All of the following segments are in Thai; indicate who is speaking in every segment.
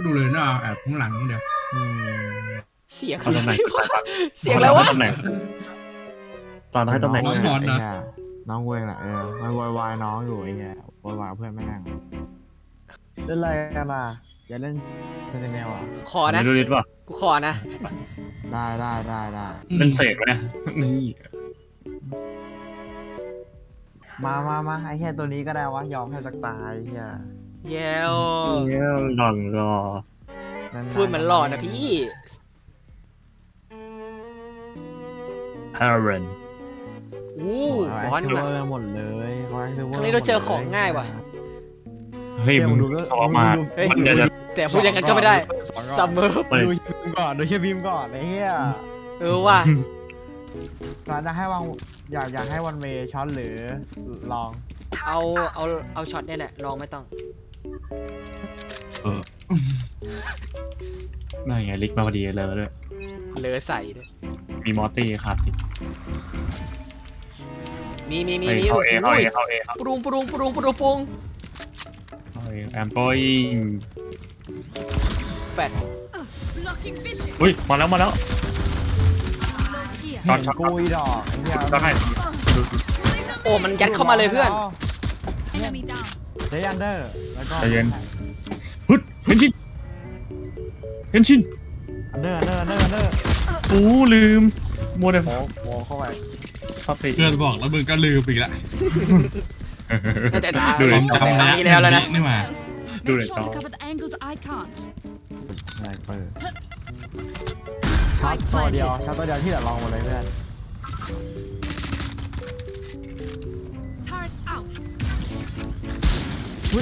Speaker 1: ดูเลยนะแอบข้างหลังเดี๋ยว
Speaker 2: อืม
Speaker 3: เสียง
Speaker 4: เอาตำแหน่ง
Speaker 3: วะเสียงอะไรวะ
Speaker 4: ตำแหน่งตอนให้ตำแหน่ง
Speaker 2: น้องนนะน้องเวงน่ะมันวายน้องอยู่ไอ้เงี้ยวายเพื่อนแม่งเล่นอะไรกันอ่ะอย่าเล่นเซนติเนลอ่ะ
Speaker 3: ขอนะ
Speaker 4: ดูดิป่ะ
Speaker 3: กูขอนะ
Speaker 2: ได้
Speaker 4: เป็นเสกไหมนี่
Speaker 2: มาไอ้เหี้ยตัวนี้ก็ได้วะยอมให้สักตายเหี้ย
Speaker 3: เย้ว
Speaker 4: หล่อนรอ
Speaker 3: พูดเหมือนหล่อนะพี่
Speaker 4: ฮาร์เรน
Speaker 3: อู้
Speaker 2: บบ อ
Speaker 3: อ
Speaker 2: ล
Speaker 3: ล
Speaker 2: มา
Speaker 3: ว่ะ
Speaker 2: หมดเลยเขาแอคทิเวอร์
Speaker 3: ครั้งนี้เราเจอของง่ายว่ะ
Speaker 4: เฮ้ยมึงทรมาน
Speaker 3: เฮ้ย
Speaker 4: มันจะ
Speaker 3: แต่พูดอย่างนั้นก็ไม่ได้ซัมเมอร์
Speaker 2: ดูพิมก่อนดูแค่พิมก่อนไอ้เหี้ย
Speaker 3: ว่ะ
Speaker 2: ร้านจะให้วางอยากให้วันเมย์ช็อตหรือลอง
Speaker 3: เอาช็อตเนี่ยแหละลองไม่ต้อง
Speaker 4: นั่นไงลิกมาพอดีเลยด้วย
Speaker 3: เลอใส่ด้วย
Speaker 4: มีมอตตี้ขาดอีก
Speaker 3: มี
Speaker 4: เข้าเอเข้าเอเข้าเอ
Speaker 3: ปรุง
Speaker 4: เข้าเอแอมโปยิง
Speaker 3: แฟด
Speaker 4: อุ้ยมาแล้วช็อ
Speaker 2: เห็
Speaker 4: ต
Speaker 2: นกูอีดอกไอ้เหี้ย
Speaker 4: ช็อตให้
Speaker 3: โอ้มันยัดเข้ามาเลยเพื่อน
Speaker 2: เดยันเดอร์แล้วก็
Speaker 4: ใจเย็นฮึดเห็นชิน
Speaker 2: อันเดอร์
Speaker 4: โอ้ลืมมัวแต่
Speaker 2: โอ้เข้าไป
Speaker 4: พับไป
Speaker 1: เพื่อนบอกแล้วมึงก็ลืมอีกแล้ว
Speaker 3: แต่ตา
Speaker 4: ดูเลย
Speaker 3: แต่ครั้งนี้แล้วนะ
Speaker 1: นี่มา
Speaker 4: ดูเลย
Speaker 5: Make sure to cover the angles I can't.
Speaker 2: ไนเปอร์ช็อตตัวเดียวที่เหลือลองหมดเลยเพื่อน
Speaker 5: Turret out.
Speaker 2: เฮ้ย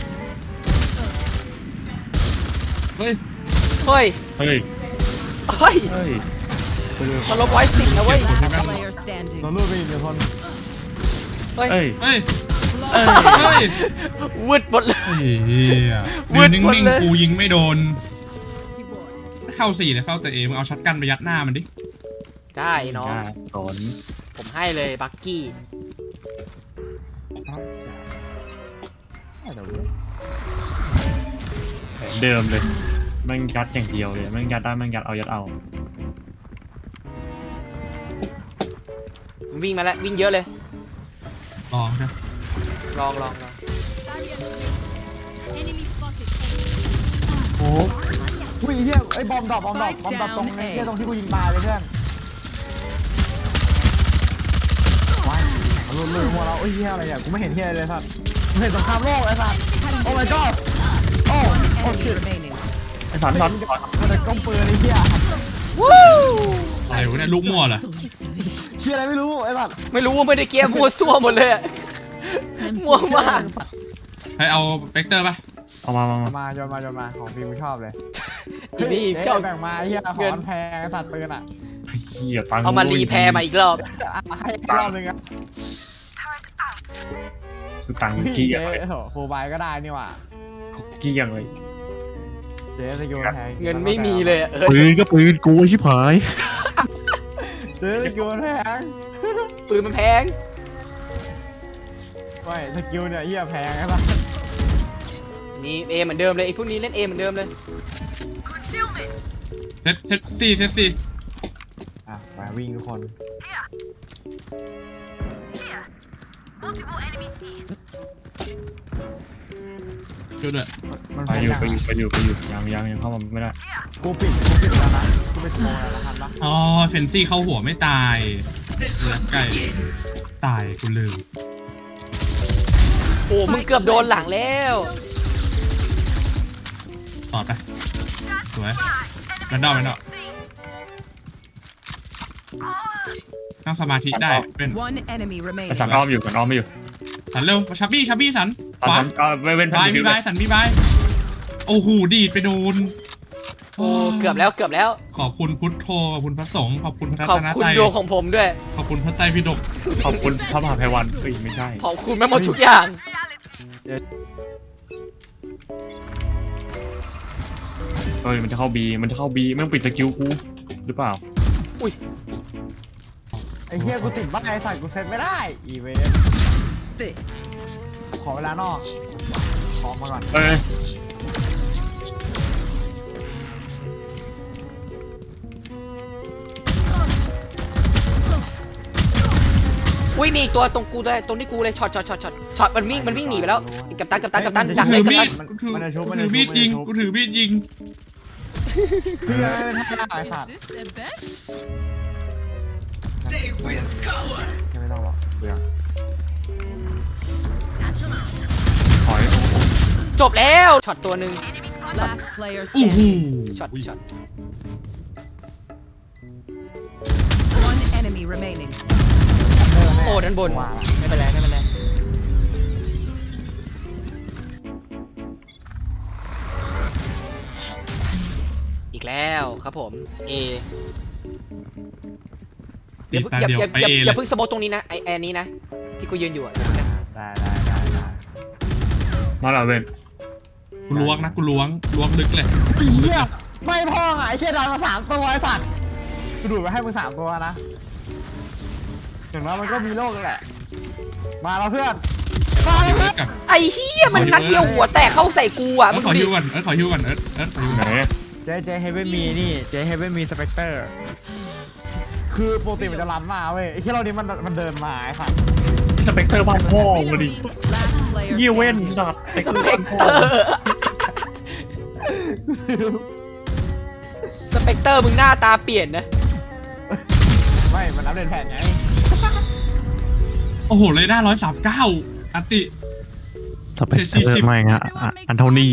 Speaker 1: เฮ้ย
Speaker 3: เฮ้ย
Speaker 4: เฮ้ย
Speaker 3: เฮ้ย
Speaker 4: เฮ้ย
Speaker 3: มันลบ110นะเว้ย
Speaker 5: Last player standing.
Speaker 2: โดนลูกไปอีกหนึ่งคน
Speaker 3: เฮ้ย
Speaker 4: เฮ้ย
Speaker 1: เฮ้ย
Speaker 5: Flawless.
Speaker 1: เฮ้ย
Speaker 3: วืดหมดเลย
Speaker 1: เฮ้ย
Speaker 3: มื
Speaker 1: ยื
Speaker 3: ด
Speaker 1: น
Speaker 3: หมด
Speaker 1: นิ่ง
Speaker 3: เลย
Speaker 1: ๆกูยิงไม่โดน
Speaker 5: Keyboard.
Speaker 1: เข้า4เลยเข้าแต่เอมึงเอาช็อตกันไปยัดหน้ามันดิ
Speaker 3: ได้น้อง
Speaker 4: สอน
Speaker 3: ผมให้เลยบักกี้
Speaker 4: เดิมเลยแม่งยัดอย่างเดียวเลยแม่งยัดได้แม่งยัดเอา
Speaker 3: วิ่งมาแล้ววิ่งเยอะเลย
Speaker 1: ลองใช่
Speaker 3: ลอง
Speaker 5: Enemy spotted.
Speaker 2: โอ้หุ้ยเฮียไอ้บอมดรอปตรงเฮียตรงที่กูยิงตายเลยเพื่อนว้ายลุยมัวแล้วไอ้เฮียอะไรเนี่ยกูไม่เห็นเฮียเลยสัตว์กูเห็นสงครามโลกไอ้สัตว์โอ้ my god โอ้
Speaker 5: Enemy
Speaker 2: shit
Speaker 5: remaining.
Speaker 4: ไอ้สอน
Speaker 2: มันจะก้มปืนไอ้เฮีย
Speaker 3: วู้
Speaker 1: อะไรวะเนี่ยลูกมั่วเหรอ
Speaker 2: เฮียอะไรไม่รู้ไอ้สัตว์
Speaker 3: ไม่รู้ว่าไม่ได้เกมมั่วซั่วหมดเลยอะมั่วมาก
Speaker 1: ให้เอาเปกเตอร์ป่ะ
Speaker 4: เอามา
Speaker 2: โยนมาของฟิล์มชอบเลย
Speaker 3: อีนี่
Speaker 2: เฮ้ย
Speaker 3: ชอบ
Speaker 2: แบ่งมาเฮียข
Speaker 3: เงิ
Speaker 2: อน งแพงไอ้สัตว์ปืนอ่ะ
Speaker 4: เฮียตัง
Speaker 3: เอามารีแพร์มาอีกรอบ
Speaker 2: ให้รอบนึงอ่ะ
Speaker 4: คือตัง
Speaker 2: เจ๊
Speaker 4: เกี้ยงเลย
Speaker 2: โหโคบายก็ได้นี่หว่า
Speaker 4: เกี้ยงเลย
Speaker 2: เจ๊สกิลแพง
Speaker 3: เงินไม่มีเลยอะ
Speaker 4: ปืนก็ปืนกูชิบหาย
Speaker 2: เจ๊สกิลแพง
Speaker 3: ปืนมันแพง
Speaker 2: ไม่สกิลเนี่ยเฮียแพงใช่ปะ
Speaker 3: มีเอเหมือนเดิมเลยไอ้พวกนี้เล่นเอเหมือนเดิมเลย
Speaker 1: เซตสี่
Speaker 2: อ่ะมาวิ่งทุกคน
Speaker 1: ช่วยด้วย
Speaker 2: มัน
Speaker 4: ไปอยู่ยังเข้ามาไม่ได้
Speaker 2: กูปิดแล้วนะกูปิดโมแล้วนะทันปะ
Speaker 1: อ๋อเฟนซี่เข้าหัวไม่ตายใกล้ตายกูลืม
Speaker 3: โอ้มึงเกือบโดนหลังแล้ว
Speaker 1: ต่อไปสวยแมนดอลนั่งสมาธิได้เป็น
Speaker 5: One enemy
Speaker 4: ไอ้
Speaker 5: remaining.
Speaker 4: สันอ้อมไม่อยู่
Speaker 1: สันเร็วชับบี้สันขวา
Speaker 4: เว้น
Speaker 1: บายมีบายสันมีบายโอ้โหดีดไปโดน
Speaker 3: โอ้เกือบแล้ว
Speaker 1: ขอบคุณพุทโธขอบคุณพระสงฆ์ขอบคุณพระ
Speaker 3: ขอบ
Speaker 1: รัตน
Speaker 3: คุณ
Speaker 1: ตรัย
Speaker 3: ดวงของผมด้วย
Speaker 1: ขอบคุณพระไตรปิฎก
Speaker 4: ขอบคุณพระมหาภัยวันเอ้ยไม่ใช่
Speaker 3: ขอบคุณแม่หมดทุกอย่าง
Speaker 4: เฮ้ยมันจะเข้าบีไม่ต้องปิดสกิลกูหรือเปล่า
Speaker 2: ไอ้เฮียกูติดบ้านไอ้สัตว์กูเซ็ตไม่ได้อีเวนขอเวลานอกขอมาก่อน
Speaker 4: เอ้ย
Speaker 3: อุ้ยมีอีกตัวตรงกูเลยตรงที่กูเลยช็อตมันวิ่งหนีไปแล้วกับตันดัก
Speaker 1: กู
Speaker 3: เลย
Speaker 1: ถือ
Speaker 3: กั
Speaker 1: มี
Speaker 3: ป
Speaker 1: ด
Speaker 3: ตัน
Speaker 1: กูถือมีดยิงกูถือมีดยิง
Speaker 2: พี่ไม่ทำไอ้สัตว์
Speaker 5: Is this a bet?
Speaker 2: ไม่ต้องหรอกเบื่อ
Speaker 4: ถอย
Speaker 3: จบแล้วช็อตตัวหนึ่ง
Speaker 5: Last player
Speaker 1: โอ้โห
Speaker 5: standing.
Speaker 3: ช็อต
Speaker 5: One enemy remaining.
Speaker 3: โอ้ด้านบน
Speaker 2: ว่าละ
Speaker 3: ไม่เป็นไรอีกแล้วครับผม A
Speaker 1: ตีตาเดียวไปเอ
Speaker 3: อ
Speaker 1: เล
Speaker 3: ย่าย เพิ่งสโมกตรงนี้นะไอแอนนี้นะ ที่กูยืนอยู่อ่ะ
Speaker 2: ได้
Speaker 4: มาแล้วเว้น
Speaker 1: กูล้วงนะกูล้วงลึกเลย
Speaker 2: เหี้ยไม่พออ่ะไอ้เชี่ยดาวมา3 ตัวไอ้สัตว์กูดูดมาให้มึง3 ตัวนะถึงว่ามันก็มีโลกแหละมาแล้วเพื่อนมาแล้วเพื่อน
Speaker 1: กับ
Speaker 3: ไอ้เฮียมันนัดเดียวหัวแตกเข้าใส่กูอ่ะมึง
Speaker 1: ขอ
Speaker 3: ดู
Speaker 1: ฮิ
Speaker 3: ดิ
Speaker 1: วก่อนขอฮิวก่อนขอฮิว
Speaker 4: ไหน
Speaker 2: เจ๊เฮเว่นมีนี่เจ๊เฮเว่นมีสเปกเตอร์คือปกติมันจะรันมาเว้ยไอ้ที่เรานี้มันเดินมาไอ้สัตว์
Speaker 4: สเปกเตอร์บ้านพ่อมาดิ
Speaker 5: Last player
Speaker 4: เยี่ยเว้น
Speaker 5: standing.
Speaker 4: สัตว์สเปก
Speaker 3: ส
Speaker 4: เตอร์
Speaker 3: เป
Speaker 4: บ้าก น
Speaker 3: เต
Speaker 4: พ่อ
Speaker 3: อร์สเปกเตอร์มึงหน้าตาเปลี่ยนนะ
Speaker 2: ไม่มันอัปเดตแผนไง
Speaker 1: โอ้โหเลยได้139อัตติ
Speaker 4: สเปกเตอร์ไม่ฮะอันเท่านี้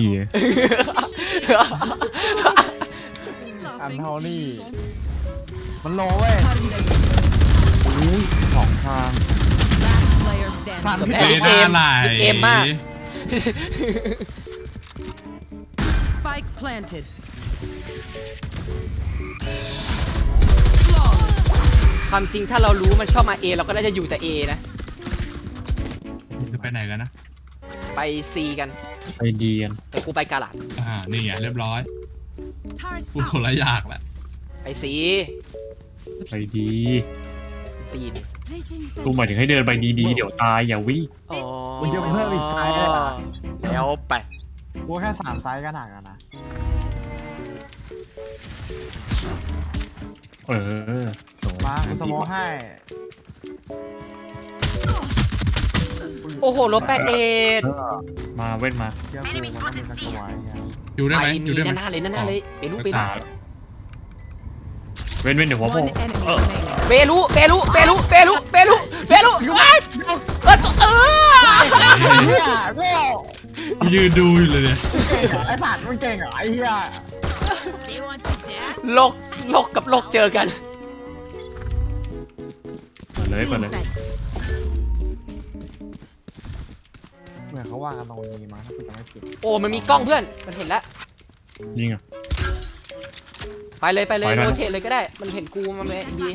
Speaker 2: อัน
Speaker 5: Laughing.
Speaker 2: เท่านี้มันโลเว้ย
Speaker 4: อุ้ย2 ทาง
Speaker 5: Last player
Speaker 2: สั่น
Speaker 5: standing.
Speaker 1: เลยหน้าไหล
Speaker 3: เอ็มมาก
Speaker 5: Spike planted. Flawless.
Speaker 3: ความจริงถ้าเรารู้มันชอบมา A เราก็น่าจะอยู่แต่ A นะ
Speaker 1: จะไปไหนกันนะ
Speaker 3: ไป C กัน
Speaker 4: ไปดีกัน
Speaker 3: แต่กูไปกาลาด
Speaker 1: นี่ไงเรียบร้อย
Speaker 5: Turret
Speaker 1: กูคนละอยากแหละ
Speaker 3: ไป C
Speaker 4: ไปดี
Speaker 3: ตีน
Speaker 4: กูหมายถึงให้เดินไปดีๆเดี๋ยวตายอย่าวิ่ง
Speaker 3: อ๋อ
Speaker 2: มันจะเพิ่มอีกไซส์เลยเหรอ
Speaker 3: แล้วไป
Speaker 2: กูแค่3 ไซส์ก็หนักอะนะ
Speaker 4: เออ
Speaker 2: มากูสโมคให้
Speaker 3: โอ้โหลบ8 เอ็ด
Speaker 4: มาเว้นมา
Speaker 2: เชื่อกูมันต้องมีสักตัวไอ้เหี้ย
Speaker 1: อยู่ได้ไหม
Speaker 3: มี
Speaker 1: อยู่ได้ไหม
Speaker 3: หน้าเลยเปรูเปรู
Speaker 4: ตาเว้นเดี๋ยวหัวโผล่
Speaker 5: One enemy
Speaker 4: เออ
Speaker 5: remaining.
Speaker 3: เปรูอ้าว
Speaker 2: เหี้ยโง่
Speaker 1: กูยืนดูอยู่เลยเนี่ย
Speaker 2: ไอ้สัตว์มันเก่งเหรอไอ้เหี้ย
Speaker 5: They want to dance.
Speaker 3: โลกกับโลกเจอกัน
Speaker 4: เปิดเลย
Speaker 2: เหมือนเขาว่ากันตรงนี้มั้งถ้ากูจำไม่ผิด
Speaker 3: โอ้มันมีกล้องเพื่อนมันเห็นแล้ว
Speaker 4: ยิงอ่ะ
Speaker 3: ไปเลย
Speaker 4: ไปนะ
Speaker 3: โรเทตเลยก็ได้มันเห็นกูมาไหมดี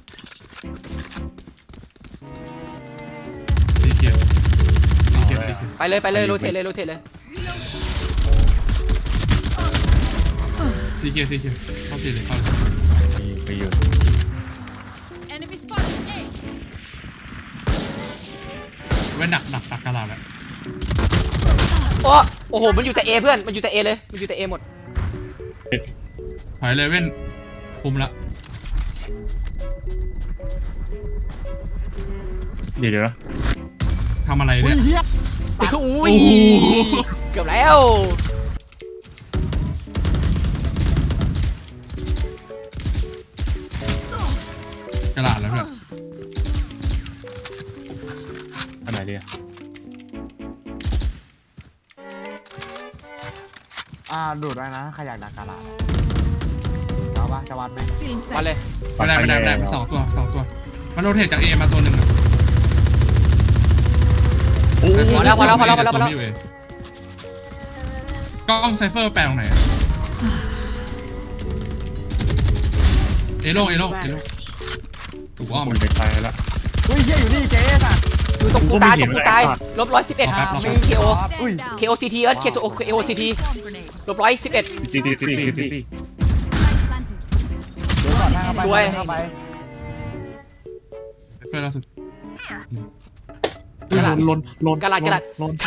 Speaker 1: สีเขียวสีเขียว
Speaker 3: ไปเลยโรเทตเลย
Speaker 1: สีเขียวเข้าสีเลยเข้า
Speaker 4: มีไปอยู่
Speaker 5: Enemy spotted. A.
Speaker 1: ไว้ดักกระลาแล้ว
Speaker 3: โอ้โหมันอยู่แต่ A เพื่อนมันอยู่แต่ A เลยมันอยู่แต่ A หมด
Speaker 1: ถอยเลยเว้นคุมละ
Speaker 4: เดี๋ยวนะ
Speaker 1: ทำอะไร
Speaker 2: อุ้
Speaker 1: เนี่ย ย
Speaker 2: เหี้ย
Speaker 3: อุ้ย
Speaker 1: โอ้โห
Speaker 3: เกือบแล้ว
Speaker 1: กระลาแล้วเพื่อน
Speaker 4: อันไหนดีอะ
Speaker 2: ดูดไว้นะใครอยากดักกาลาดเอาปะจะวัดไหม
Speaker 3: มาเลย
Speaker 1: ไม่ได้มันสองตัวมันโรเทตจาก A มาตัวหนึ่ง
Speaker 4: โอ้
Speaker 3: พอแล้ว
Speaker 1: กล้องไซเฟอร์แปลตรงไหนเอโร่ถูกอ้อม
Speaker 4: หมดไปไกลแล้ว
Speaker 2: อุ้ยเหี้ยอยู่นี่เจ๊สัตว์
Speaker 3: อยู่ตรงกูตายลบ111
Speaker 1: ครับ
Speaker 3: มี KO
Speaker 2: อุ้ย
Speaker 3: KOCT KOCT
Speaker 5: Bomb grenade.
Speaker 3: ลบ111
Speaker 4: ตี
Speaker 2: เดี๋ยวก่อนหน้าเข้าไป
Speaker 3: ด้วย
Speaker 2: เข้าไป
Speaker 1: เพื่อนเราสุด
Speaker 4: ลน
Speaker 3: กระดาษ
Speaker 4: ลน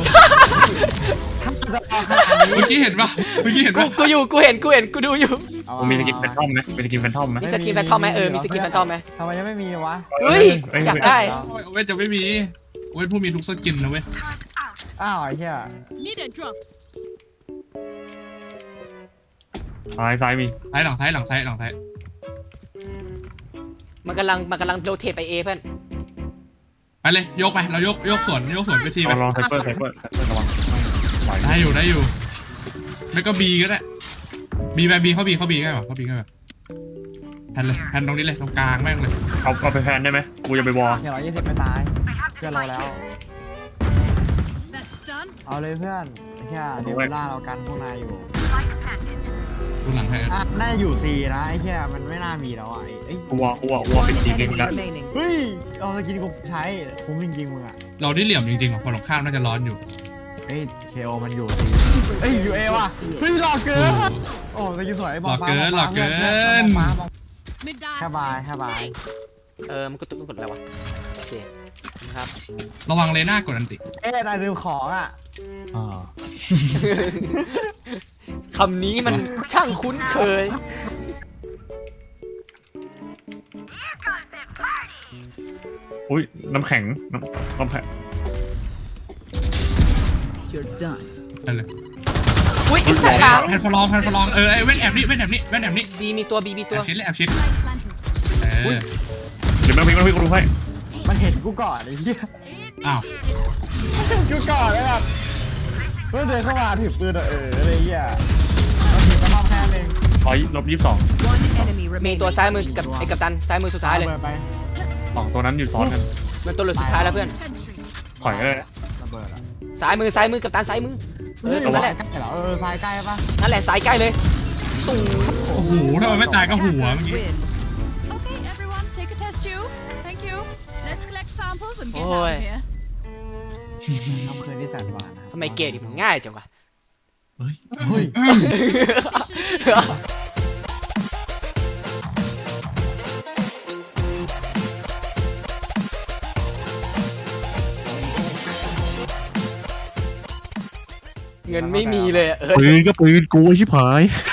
Speaker 2: จะเอาขนาดนี้
Speaker 1: เมื่อกี้เห็นปะเมื่อกี้เห็นปะ
Speaker 3: กูเห็นกูดูอยู่
Speaker 4: ผมมีสกินแฟนทอมไหมมีสกินแฟนทอมไหม
Speaker 3: มีสกินแฟนทอมไหมมีสกินแฟนทอมไหม
Speaker 2: ทำไมยังไม่มีวะ
Speaker 3: เฮ้ยอยากได้
Speaker 1: เว้ยจะไม่มีเว้ยผู้มีทุกสกินนะเว้ย
Speaker 2: อ้าวไอ้เหี้ย
Speaker 5: Need a drop.
Speaker 4: ซ้ายมี
Speaker 1: ท้ายหลังท้ายหลังท้ายหลังท้าย
Speaker 3: มันกำลังโรเทตไปเอเพื่อน
Speaker 1: ไปเลยยกไปเรายกสวนไปทีไป
Speaker 4: ลองไซเฟอร์ระวังไหว
Speaker 1: ได้อยู่ไม่ก็บีก็ได้บีไปบีเข้าบีง่ายกว่าเข้าบีง่ายกว่าแผ่นเลยแผ่นตรงนี้เลยตรงกลางแม่งเลย
Speaker 4: เอาไปแพนได้ไหมกูจะไปวอล
Speaker 2: อย่าง120ไม่ตายเพื่อนเราแล้ว
Speaker 5: That's done.
Speaker 2: เอาเลยเพื่อนไอ้เหี้ยเดี๋ยวเวลาเรากันพวกนายอยู่
Speaker 1: ดูหลังให้
Speaker 2: อ่ะน่าจะอยู่ C นะไอ้เหี้ยมันไม่น่ามีแล้วอ่ะไอ้
Speaker 4: กูวอลเป็น
Speaker 5: One
Speaker 4: จริง
Speaker 5: enemy
Speaker 4: แล้ว
Speaker 5: remaining.
Speaker 2: เฮ้ยเอาสกินกูใช้คุ้มจริงๆมึงอ่ะ
Speaker 1: เราได้เหลี่ยมจริงๆว่ะฝั่งตรงข้ามน่าจะร้อนอยู่
Speaker 2: เฮ้ย KO มันอยู่ C เฮ้ยอยู่ A ว่ะเฮ้ยหลอกเกินโอ้สกินสวยมองฟ้า
Speaker 1: หลอกเกิน
Speaker 2: มองฟ้ามอง
Speaker 5: Mid
Speaker 2: แค่บายแค่บาย
Speaker 3: มันกดอะไรวะโอเคนะครับ
Speaker 1: ระวังเลน่ากดอันติ
Speaker 2: เอ๊ะนายลืมของอ่ะ
Speaker 3: คำนี้มันช่างคุ้นเคย
Speaker 4: อุ้ยน้ำแข็งน้ำแข็ง
Speaker 5: You're done.
Speaker 1: ไปเลย
Speaker 3: อุ้ยไอ้สัตว์หลัง
Speaker 1: แผ่นฟลองไอ้เว้นแอบนี่
Speaker 3: บีมีตัว
Speaker 1: แอบชิดเออ
Speaker 4: เดี๋ยวแม่พี่กูรู้ให้
Speaker 2: มันเห็นกูก่อนไอ้เหี้ย
Speaker 1: อ้าว
Speaker 2: กูก่อนเลยแบบเพื่อนเดินเข้ามาถือปืนอะไรเงี้ยเราถือกระบอกแค่เอง
Speaker 4: 122
Speaker 5: One enemy
Speaker 3: มี
Speaker 5: remaining.
Speaker 3: ตัวซ้ายมือกับไอ้กัปตันซ้ายมือสุดท้ายเลย
Speaker 2: ระเบิดไป
Speaker 4: 2ตัวนั้นอยู่ซ้อนกัน
Speaker 3: มันตัวเหลือสุดท้ายแล้วเพื่อน
Speaker 4: ถอยเลย
Speaker 2: ระเบิดอ่ะ
Speaker 3: ซ้ายมือกับตันซ้ายมือนั่นแหละ
Speaker 2: ใกล้เหรอทรายใกล้ปะ
Speaker 3: นั่นแหละซ้ายใกล้เลยตุ้ง
Speaker 1: โอ้โหทำไมไม่ตายก็หัวเมื่อกี้
Speaker 5: Win. Okay, everyone, take a test tube. Thank you. Let's collect samples and get out of here.
Speaker 2: น้ำคืนที่แสนหวานนะ
Speaker 3: ทำไมเกมมันง่ายจังวะ
Speaker 1: เฮ้ย
Speaker 2: เฮ้ย
Speaker 3: เงินไม่มีเลยอะ
Speaker 4: ปืนก็ปืนกูชิบหาย